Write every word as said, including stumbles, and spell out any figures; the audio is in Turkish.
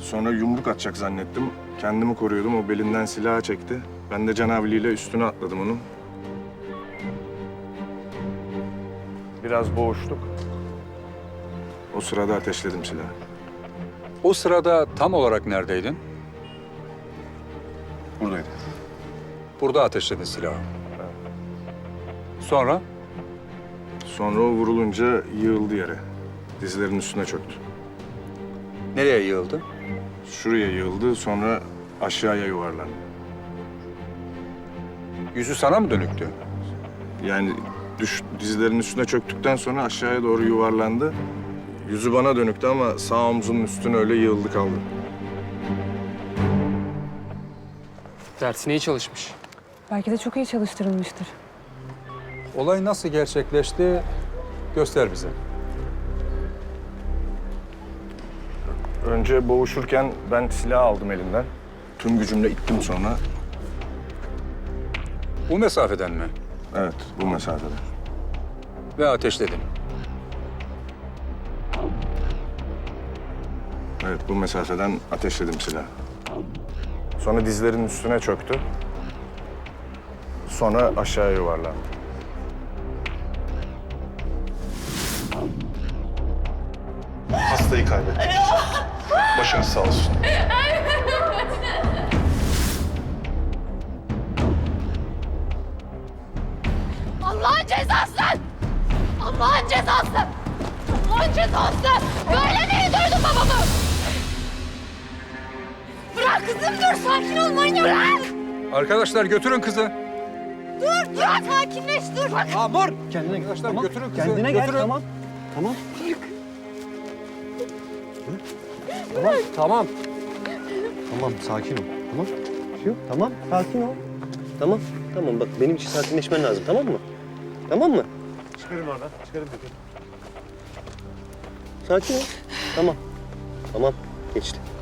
Sonra yumruk atacak zannettim. Kendimi koruyordum. O belinden silahı çekti. Ben de canavliyle üstüne atladım onun. Biraz boğuştuk. O sırada ateşledim silahı. O sırada tam olarak neredeydin? Buradaydı. Burada ateşledin silahı. Sonra? Sonra o vurulunca yığıldı yere. Dizlerinin üstüne çöktü. Nereye yığıldı? Şuraya yığıldı, sonra aşağıya yuvarlandı. Yüzü sana mı dönüktü? Yani düş, dizlerinin üstüne çöktükten sonra aşağıya doğru yuvarlandı. Yüzü bana dönüktü ama sağ omzunun üstüne öyle yığıldı kaldı. Dersine iyi çalışmış. Belki de çok iyi çalıştırılmıştır. Olay nasıl gerçekleşti? Göster bize. Önce boğuşurken ben silahı aldım elinden. Tüm gücümle ittim sonra. Bu mesafeden mi? Evet, bu mesafede. Ve ateşledin. Evet, bu mesafeden ateşledim silahı. Sonra dizlerinin üstüne çöktü. Sonra aşağıya yuvarlandı. Hastayı kaybettik. Başınız sağ olsun. Allah'ın cezası! Allah'ın cezası! Allah'ın cezası! Böyle mi öldürdün babamı? Bırak kızım dur, sakin ol manyak! Bırak! Arkadaşlar götürün kızı. Dur, dur, sakinleş dur! Amur! Kendine Arkadaşlar tamam. Götürün kızı. Kendine gel, götürün. tamam. Tamam. Tamam, tamam. Tamam, sakin ol. Tamam. Bir şey yok. Tamam, sakin ol. Tamam, tamam. Bak benim için sakinleşmen lazım, tamam mı? Tamam mı? Çıkarın oradan. Çıkarın dökün. Sakin ol. Tamam. Tamam, geçti.